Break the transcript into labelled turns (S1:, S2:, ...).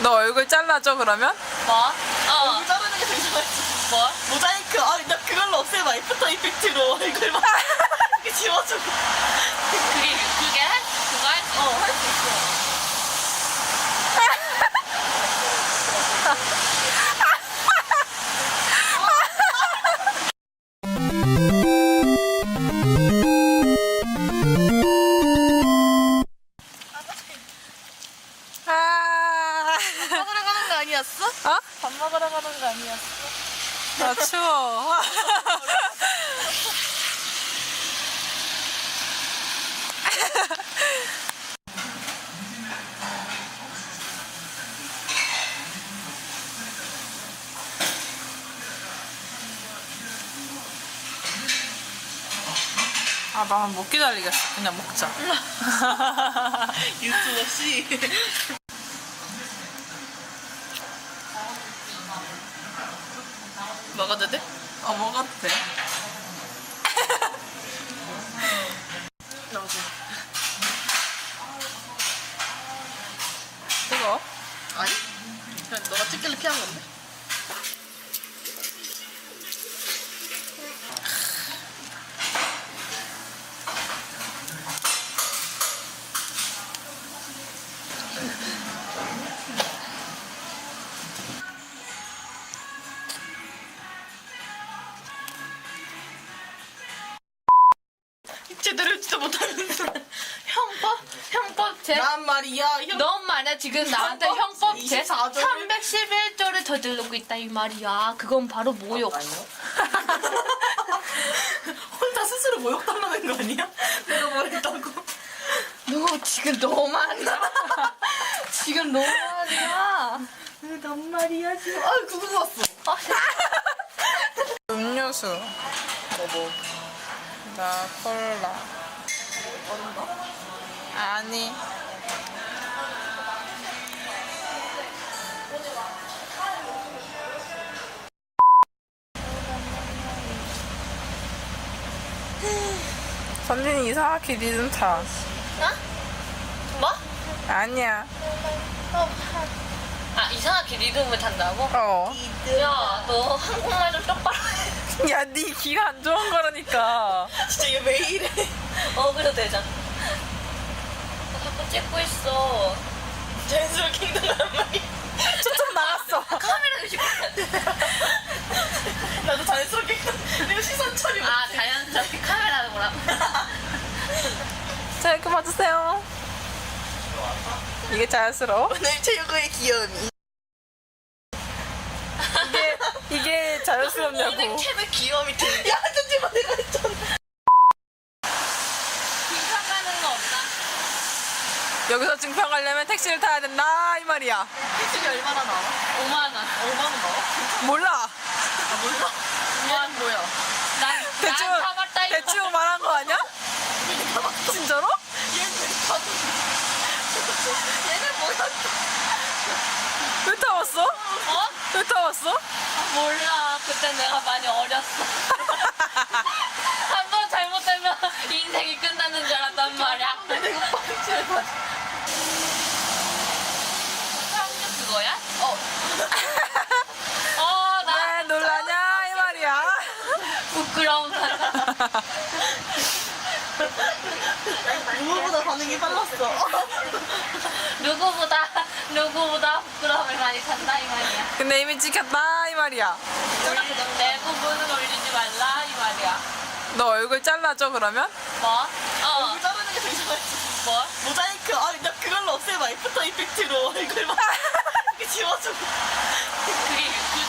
S1: 너 얼굴 잘라줘 그러면?
S2: 뭐?
S3: 얼굴 자르는 게 더 이상하지.
S2: 뭐?
S3: 모자이크. 아, 나 그걸로 없애봐. 애프터 이펙트로 얼굴만 이렇게 지워주고.
S2: 그게 그거 할 수 있어.
S3: 할 수 있어.
S1: 아,
S3: 밥 먹으러 가는 거 아니었어?
S1: 어?
S3: 밥 먹으러 가는 거 아니었어?
S1: 나 추워. 아, 나는 못 기다리겠어. 그냥 먹자.
S3: 유튜버 씨. 먹어도 돼?
S1: 먹어도 돼.
S3: 나도.
S1: 뜨거워?
S3: 아니? 그냥 너가 찍길래 피한 건데? 제대로 진짜 못하면서
S2: 형법 제
S3: 난 말이야 형.
S2: 넌 말이야 지금 나한테 형법 제
S3: 24 절.
S2: 311조를 저지르고 있다 이 말이야. 그건 바로 모욕.
S3: 혼자 스스로 모욕당하는 거 아니야? 내가 뭘 했다고?
S2: 너 지금 너무하냐? 지금 너무하냐?
S3: 난 말이야 지금. 아 그거 왔어.
S1: 음료수.
S3: 뭐?
S1: 나 콜라.
S3: 얼음가?
S1: 아니. 선진이 이상하게 리듬 타.
S2: 뭐?
S1: 아니야.
S2: 아 이상하게 리듬을 탄다고?
S1: 어.
S2: 야 너 한국말 좀 똑바로 해.
S1: 야, 네 귀가 안 좋은 거라니까.
S3: 진짜 얘 왜 이래?
S2: 그래도 되잖아. 나 자꾸 찍고 있어.
S3: 자연스럽게 행동하는 말이야.
S1: 초점 나갔어.
S2: 카메라 의식해.
S3: 나도 자연스럽게 내가 시선 처리 못해.
S2: 아 자연스럽게 카메라를 보라고.
S1: 자, 이렇게 봐주세요. 이게 자연스러워?
S3: 오늘 최고의 귀여움이.
S1: 이게 자연스럽냐고.
S3: 오늘 최고의 귀여움이 들려. 야 하지 마 내가 했잖아.
S2: 빙상 가는 거 없나?
S1: 여기서 증평하려면 택시를 타야 된다 이 말이야.
S3: 택시비 얼마나 나와?
S2: 5만 원.
S3: 얼마나 나와?
S1: 몰라.
S3: 아 몰라. 5만 뭐야?
S2: 난
S1: 대충
S2: 타봤다 이거.
S1: 대충 말한 거 아니야? 진짜로?
S3: 얘는 가도. 얘는 뭐야?
S1: 왜 타봤어?
S2: 어?
S1: 왜 타봤어?
S2: 몰라. 그때 내가 많이 어렸어. 한 번 잘못되면 인생이 끝나는 줄 알았단 말이야.
S3: 내가 빵치를 받.
S2: 한국 그거야?
S3: 어.
S2: 나
S1: 왜 놀라냐 이 말이야.
S2: 부끄러운 사람.
S3: 누구보다 반응이 빨랐어.
S2: 누구보다 부끄러움을 많이 탄다 이 말이야.
S1: 근데 이미 찍혔다 이 말이야.
S2: 내 부분은 올리지 말라 이 말이야.
S1: 너 얼굴 잘라줘 그러면?
S2: 뭐?
S3: 얼굴 자르는 게 더 이상하지.
S2: 뭐?
S3: 모자이크. 아, 나 그걸로 없애봐. 애프터 이펙트로 얼굴만 이렇게 지워주고.
S2: 그게